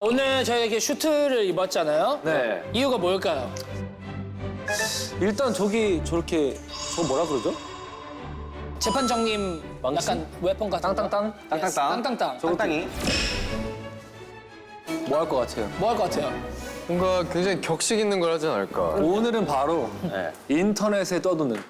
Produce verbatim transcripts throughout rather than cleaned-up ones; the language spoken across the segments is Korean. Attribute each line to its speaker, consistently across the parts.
Speaker 1: 오늘 저희가 슈트를 입었잖아요.
Speaker 2: 네.
Speaker 1: 이유가 뭘까요?
Speaker 2: 일단 저기 저렇게 저 뭐라 그러죠?
Speaker 1: 재판장님 약간 웨폰 같은
Speaker 2: 땅땅땅?
Speaker 1: 거? Yes,
Speaker 3: 땅땅땅.
Speaker 1: 땅땅땅.
Speaker 3: 땅땅이.
Speaker 2: 뭐 할 것 같아요?
Speaker 1: 뭐 할 것 같아요?
Speaker 4: 뭔가 굉장히 격식 있는 걸 하지 않을까.
Speaker 2: 오늘은 바로 인터넷에 떠도는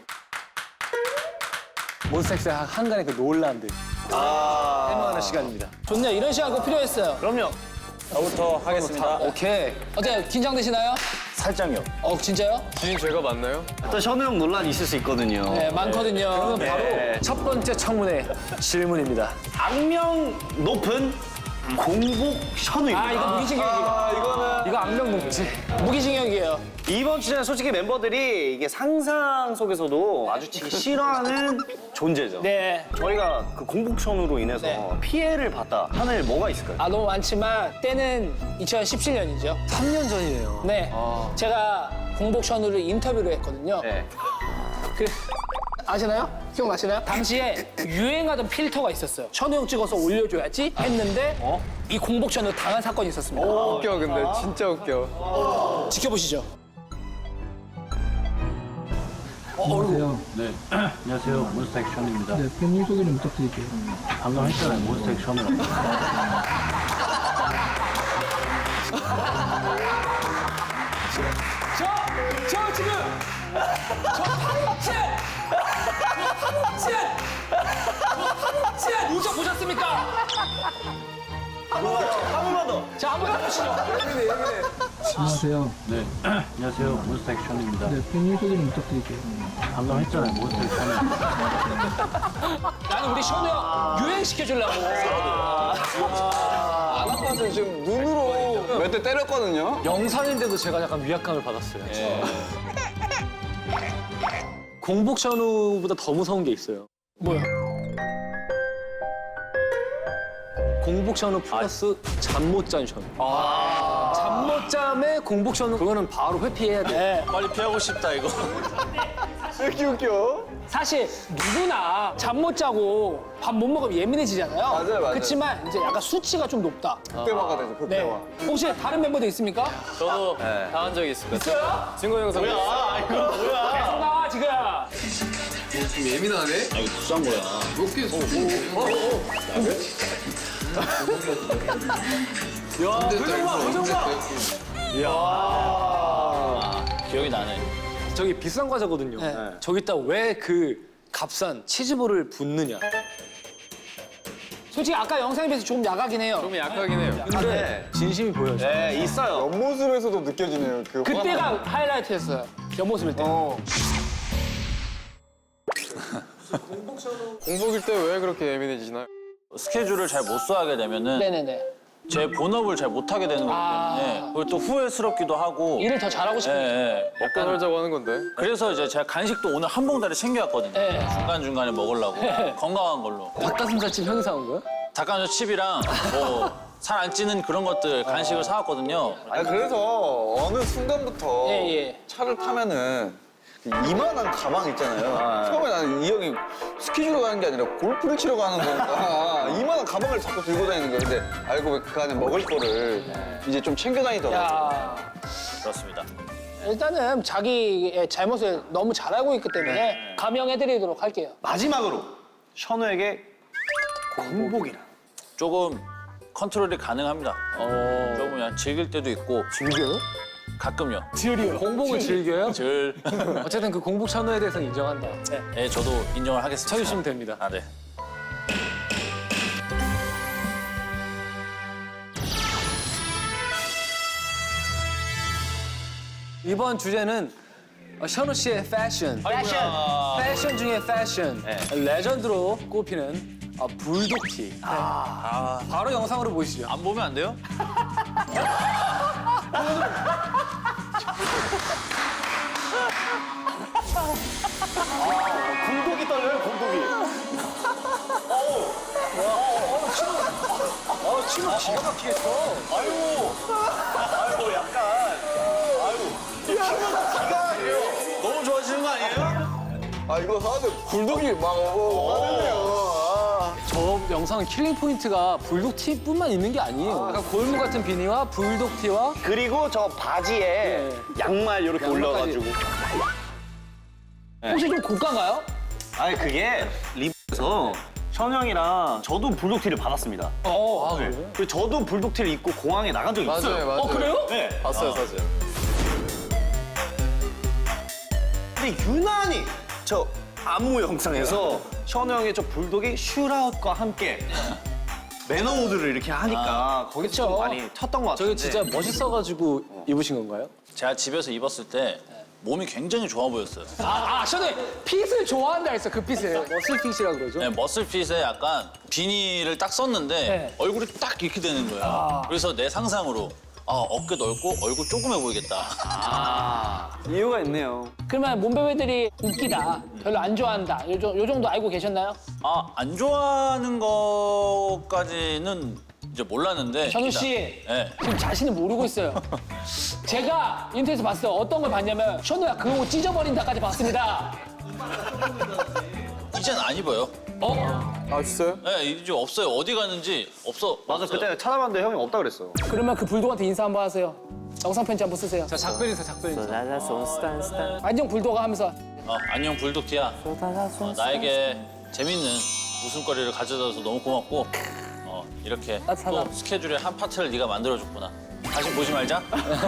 Speaker 2: 몬스타엑스의 한간의 그 논란들 해명하는 시간입니다.
Speaker 1: 좋네요. 이런 시간 꼭 필요했어요.
Speaker 3: 그럼요. 저부터 하겠습니다.
Speaker 2: 오케이.
Speaker 1: 어때요? 긴장되시나요?
Speaker 3: 살짝요.
Speaker 1: 어, 진짜요?
Speaker 4: 주인 죄가 맞나요?
Speaker 3: 또 션우 형 논란이 있을 수 있거든요.
Speaker 1: 네, 많거든요.
Speaker 2: 그러면 바로
Speaker 3: 네.
Speaker 2: 첫 번째 청문회 질문입니다.
Speaker 3: 악명 높은 공복 션우입니다.
Speaker 1: 아, 이거 무기징역이에요.
Speaker 2: 이거는 이거 악명 높지.
Speaker 1: 무기징역이에요.
Speaker 3: 이번 주제는 솔직히 멤버들이 이게 상상 속에서도 마주치기 싫어하는 존재죠.
Speaker 1: 네.
Speaker 3: 저희가 그 공복 션우로 인해서
Speaker 1: 네.
Speaker 3: 피해를 봤다 하는 일 뭐가 있을까요?
Speaker 1: 아, 너무 많지만 때는 이천십칠 년이죠.
Speaker 2: 삼 년 전이네요.
Speaker 1: 네. 제가 공복 션우를 인터뷰를 했거든요.
Speaker 3: 네.
Speaker 1: 그, 아시나요? 기억나시나요? 당시에 유행하던 필터가 있었어요. 션우 형 찍어서 올려줘야지 했는데 이 공복 션우 당한 사건이 있었습니다.
Speaker 4: 웃겨, 근데. 진짜 웃겨.
Speaker 1: 지켜보시죠.
Speaker 5: 안녕하세요.
Speaker 6: 네, 안녕하세요. 몬스타 액션입니다.
Speaker 5: 네, 팬님 소개 좀 부탁드릴게요.
Speaker 6: 방금 했잖아요. 몬스타 액션이라고.
Speaker 1: 저, 저 지금 저 파국진! 저 파국진! 저 파국진! 우정 보셨습니까?
Speaker 3: 한 번만 더.
Speaker 1: 자, 한번 해보시죠.
Speaker 5: 안녕하세요.
Speaker 6: 네, 안녕하세요. 몬스타 액션입니다.
Speaker 5: 네, 팬님 소개 좀 부탁드릴게요.
Speaker 6: 방금 했잖아요. 몬스타 액션이라고.
Speaker 1: 나는 우리 션우 형 유행시켜주려고.
Speaker 4: 아나파한테 지금 눈으로 몇 대 때렸거든요?
Speaker 2: 영상인데도 제가 약간 위압감을 받았어요. 공복 션우보다 더 무서운 게 있어요.
Speaker 1: 뭐야?
Speaker 2: 공복 션우 플러스 잠 못 잔 션우. 잠 못 잠에 공복 션우 그거는 바로 회피해야 돼.
Speaker 1: 네.
Speaker 3: 빨리 피하고 싶다 이거.
Speaker 4: 왜 이렇게 웃겨?
Speaker 1: 사실 누구나 잠 못 자고 밥 못 먹으면 예민해지잖아요.
Speaker 4: 맞아요, 맞아요.
Speaker 1: 그렇지만 이제 약간 수치가 좀 높다.
Speaker 4: 극대화가 되죠,
Speaker 1: 네.
Speaker 4: 극대화.
Speaker 1: 혹시 다른 멤버도 있습니까?
Speaker 4: 저도 당한 적이 있습니다.
Speaker 1: 있어요?
Speaker 4: 증거 영상. 뭐야?
Speaker 3: 아 이거 뭐야?
Speaker 1: 계속 나와 지금.
Speaker 4: 좀 예민하네?
Speaker 6: 아, 이거 비싼 거야.
Speaker 4: 몇 개?
Speaker 2: 야, 표정 봐, 표정 봐.
Speaker 6: 기억이 나네.
Speaker 2: 저기 비싼 과자거든요.
Speaker 1: 네.
Speaker 2: 저기다 왜 그 값싼 치즈볼을 붓느냐.
Speaker 1: 솔직히 아까 영상에 비해서 조금 야하긴 해요.
Speaker 4: 좀 약하긴 해요.
Speaker 2: 근데 진심이 보여져.
Speaker 3: 네 있어요.
Speaker 4: 옆모습에서도 느껴지네요. 그
Speaker 1: 그때가 하이라이트였어요. 옆모습일 때.
Speaker 4: 공복일 때 왜 그렇게 예민해지나요?
Speaker 6: 스케줄을 잘 못 써하게 되면은
Speaker 1: 네네네.
Speaker 6: 제 본업을 잘 못하게 되는 거기 때문에 그리고 또 후회스럽기도 하고.
Speaker 1: 일을 더 잘하고
Speaker 6: 예,
Speaker 1: 싶은데.
Speaker 6: 예.
Speaker 4: 먹고 살자고 하는 건데.
Speaker 6: 그래서 이제 제가 간식도 오늘 한 봉다리 챙겨왔거든요.
Speaker 1: 네.
Speaker 6: 중간중간에 먹으려고. 건강한 걸로.
Speaker 2: 닭가슴살집 형이 사온 거야?
Speaker 6: 닭가슴살 칩이랑 뭐 살 안 찌는 그런 것들 간식을 사왔거든요.
Speaker 7: 아 그래서 어느 순간부터
Speaker 1: 예, 예.
Speaker 7: 차를 타면은 이만한 가방 있잖아요. 처음에 나는 이 형이 스키주로 가는 게 아니라 골프를 치러 가는 건가. 이만한 가방을 자꾸 들고 다니는 거야. 근데 알고 보니 그 안에 먹을 거를 이제 좀 챙겨 다니더라고요.
Speaker 1: 야,
Speaker 6: 그렇습니다.
Speaker 1: 일단은 자기의 잘못을 너무 잘 알고 있기 때문에 감형해드리도록 할게요.
Speaker 3: 마지막으로 션우에게 공복이라.
Speaker 6: 조금 컨트롤이 가능합니다. 조금 그냥 즐길 때도 있고.
Speaker 2: 즐겨요?
Speaker 6: 가끔요.
Speaker 2: 공복을 즐겨요?
Speaker 6: 즐.
Speaker 2: 어쨌든 그 공복 션우에 대해서는 인정한다. 네.
Speaker 6: 네, 저도 인정을 하겠습니다.
Speaker 2: 쳐주시면 됩니다.
Speaker 6: 아, 네.
Speaker 2: 이번 주제는 어, 션우 씨의 패션.
Speaker 1: 패션.
Speaker 2: 패션 중에 패션. 레전드로 꼽히는 어, 불독티. 네. 바로 영상으로 보시죠.
Speaker 6: 안 보면 안 돼요?
Speaker 3: 공복이 떨려요 공복이.
Speaker 2: 어, 지금 기가 막히겠어.
Speaker 3: 아유. 아유 약간. 아유. 기가 너무 좋아지는 거 아니에요?
Speaker 7: 아 이거 하는데 굴독이 막 어, 하는데요. 아.
Speaker 2: 저 영상은 킬링 포인트가 불독 티뿐만 있는 게 아니에요. 약간 골무 같은 비니와 불독 티와
Speaker 3: 그리고 저 바지에
Speaker 2: 예.
Speaker 3: 양말 이렇게
Speaker 2: 양말까지.
Speaker 3: 올려가지고.
Speaker 1: 혹시 좀 고가인가요?
Speaker 3: 아니 그게 리브에서 션 형이랑 저도 불독티를 받았습니다.
Speaker 1: 어.
Speaker 3: 네. 그리고 저도 불독티를 입고 공항에 나간 적이 있어요.
Speaker 7: 맞아요.
Speaker 1: 어, 그래요?
Speaker 3: 네.
Speaker 7: 봤어요, 사진.
Speaker 3: 근데 유난히 저 안무 영상에서 션 형의 저 불독이 슈라웃과 함께 매너 모드를 이렇게 하니까 거기서 좀
Speaker 1: 그쵸.
Speaker 3: 많이 텄던 것 같은데.
Speaker 2: 저게 진짜 멋있어가지고 입으신 건가요?
Speaker 6: 제가 집에서 입었을 때 몸이 굉장히 좋아 보였어요.
Speaker 1: 아, 아, 저는 핏을 좋아한다 했어, 그 핏을.
Speaker 2: 머슬핏이라 그러죠.
Speaker 6: 네, 머슬핏에 약간 비니를 딱 썼는데
Speaker 1: 네.
Speaker 6: 얼굴이 딱 이렇게 되는 거예요. 그래서 내 상상으로 아, 어깨 넓고 얼굴 조그매 보이겠다.
Speaker 3: 이유가 있네요.
Speaker 1: 그러면 몸베베들이 웃기다, 별로 안 좋아한다, 요, 정- 요 정도 알고 계셨나요?
Speaker 6: 아, 안 좋아하는 것까지는 이제 몰랐는데.
Speaker 1: 전우 씨,
Speaker 6: 네.
Speaker 1: 지금 자신을 모르고 있어요. 제가 인터넷에서 봤어요. 어떤 걸 봤냐면 션우야 그 옷 찢어버린다까지 봤습니다.
Speaker 6: 이젠 안 입어요.
Speaker 1: 어?
Speaker 7: 아, 진짜요?
Speaker 6: 네, 이제 없어요. 어디 갔는지 없어.
Speaker 3: 맞아,
Speaker 6: 없어요.
Speaker 3: 그때 찾아봤는데 형이 없다 그랬어.
Speaker 1: 그러면 그 불독한테 인사 한번 하세요. 영상 편지 한번 쓰세요.
Speaker 2: 자, 작별 인사, 작별 인사.
Speaker 1: 안녕 불독아 하면서
Speaker 6: 어, 안녕 불독티야. 어, 나에게 재밌는 웃음거리를 가져다줘서 너무 고맙고 어, 이렇게
Speaker 1: 따뜻하다.
Speaker 6: 또 스케줄의 한 파트를 네가 만들어줬구나. 다시 보지 말자.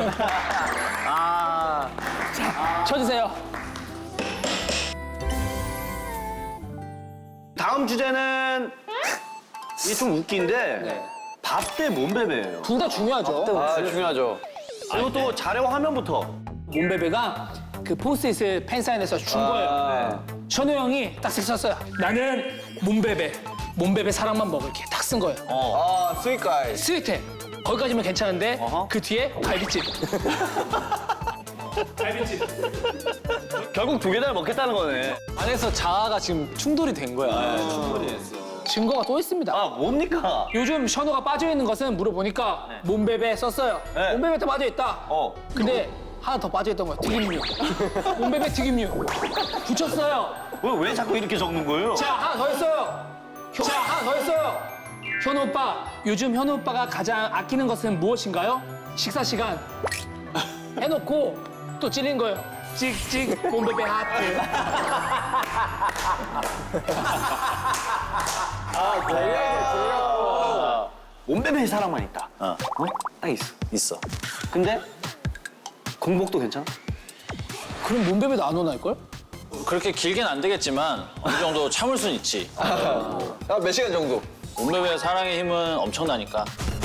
Speaker 1: 쳐주세요.
Speaker 3: 다음 주제는 이게 좀 웃긴데 밥 대 몸베베예요.
Speaker 1: 둘 다 중요하죠.
Speaker 7: 아, 중요하죠.
Speaker 3: 그리고 또 자료 화면부터
Speaker 1: 몸베베가 그 포스트잇을 팬사인회에서 준 거예요. 션우 형이 딱 썼어요. 나는 몸베베, 몸베베 사랑만 먹을게. 딱 쓴 거예요.
Speaker 7: 아, 스윗가이.
Speaker 1: 스위트해. 거기까지면 괜찮은데 그 뒤에 갈비찜.
Speaker 3: 결국 두 개나 먹겠다는 거네.
Speaker 2: 안에서 자아가 지금 충돌이 된 거야.
Speaker 1: 증거가 또 있습니다.
Speaker 3: 아 뭡니까?
Speaker 1: 요즘 션우가 빠져있는 것은 물어보니까 몸베베 썼어요.
Speaker 3: 네.
Speaker 1: 몸베베 더 빠져있다.
Speaker 3: 어.
Speaker 1: 근데 하나 더 빠져있던 거예요. 튀김류. 몸베베 튀김류. 붙였어요.
Speaker 3: 왜, 왜 자꾸 이렇게 적는 거예요?
Speaker 1: 자, 하나 더 했어요. 현- 자, 하나 더 했어요. 현우 오빠, 요즘 현우 오빠가 가장 아끼는 것은 무엇인가요? 식사 시간. 해놓고 또 찔린 거예요. 찍찍 몸베베 하트.
Speaker 3: 몸베베 사랑만 있다.
Speaker 6: 어,
Speaker 3: 어? 딱 있어.
Speaker 6: 있어.
Speaker 3: 근데 공복도 괜찮아?
Speaker 1: 그럼 몸베베도 안 오나일걸?
Speaker 6: 그렇게 길게는 안 되겠지만 어느 정도 참을 순 있지.
Speaker 7: 아, 몇 시간 정도?
Speaker 6: 몸베베의 사랑의 힘은 엄청나니까.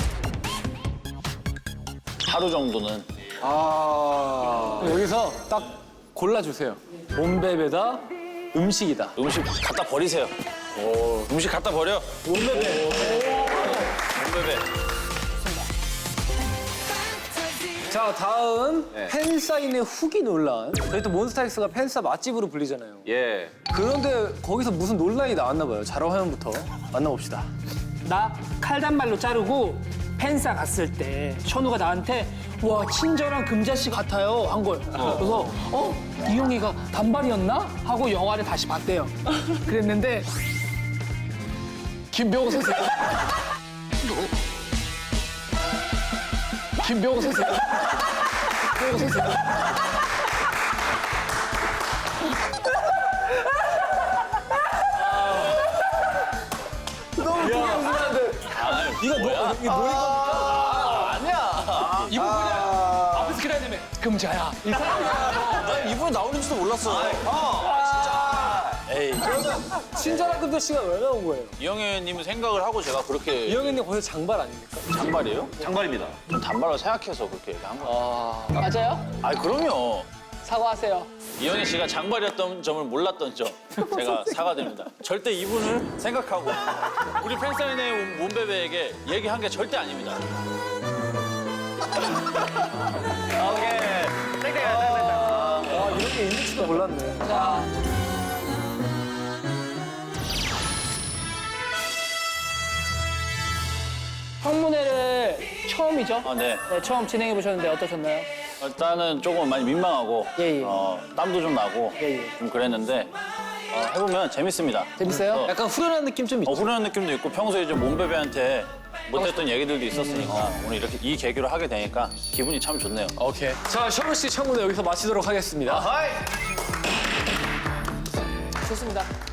Speaker 6: 하루 정도는.
Speaker 7: 아.
Speaker 2: 여기서 딱 골라주세요. 몸베베다, 음식이다.
Speaker 6: 음식 갖다 버리세요. 음식 갖다 버려. 몸베베. 몸베베.
Speaker 2: 자, 다음 팬사인회 후기 논란. 저희 또 몬스타엑스가 팬사 맛집으로 불리잖아요.
Speaker 7: 예.
Speaker 2: 그런데 거기서 무슨 논란이 나왔나 봐요. 자료 화면부터 만나봅시다.
Speaker 1: 나 칼단발로 자르고 팬싸 갔을 때 션우가 나한테 와 친절한 금자씨 같아요 한 거예요. 그래서 어? 이용이가 단발이었나? 하고 영화를 다시 봤대요. 그랬는데 김병호 선생 김병호 선생 김병호 선생
Speaker 2: 이거 뭐, 이게 뭐인 겁니까?
Speaker 6: 아니야.
Speaker 1: 이분 그냥 앞에서 그래야 되면 금자야. 이
Speaker 6: 난 이분이 나오는지도 몰랐어. 에이.
Speaker 2: 친절한 금자씨가 왜 나온 거예요?
Speaker 6: 이영애님 생각을 하고 제가 그렇게
Speaker 2: 이영애님 거기서 장발 아닙니까?
Speaker 6: 장발이에요?
Speaker 3: 장발입니다.
Speaker 6: 좀 단발로 생각해서 그렇게 얘기한 거예요.
Speaker 1: 맞아요?
Speaker 6: 아, 그럼요.
Speaker 1: 사과하세요.
Speaker 6: 이영애 씨가 장발이었던 점을 몰랐던 점 제가 사과드립니다. 절대 이분을 생각하고 우리 팬사인회 온 몸베베에게 얘기한 게 절대 아닙니다.
Speaker 3: 오케이. 땡땡.
Speaker 2: 아, 이렇게 있는지도 몰랐네.
Speaker 1: 자. 청문회를 처음이죠?
Speaker 6: 아, 네.
Speaker 1: 네, 처음 진행해 보셨는데 어떠셨나요?
Speaker 6: 일단은 조금 많이 민망하고
Speaker 1: 예, 예.
Speaker 6: 어, 땀도 좀 나고
Speaker 1: 예, 예.
Speaker 6: 좀 그랬는데 어, 해보면 재밌습니다.
Speaker 1: 재밌어요?
Speaker 6: 어,
Speaker 2: 약간 후련한 느낌 좀 있죠.
Speaker 6: 어, 후련한 느낌도 있고 평소에 좀 몸베베한테 못했던 얘기들도 있었으니까 오늘 이렇게 이 계기로 하게 되니까 기분이 참 좋네요.
Speaker 2: 오케이. 자, 션우 씨 청문회 여기서 마치도록 하겠습니다.
Speaker 3: 하이!
Speaker 1: 좋습니다.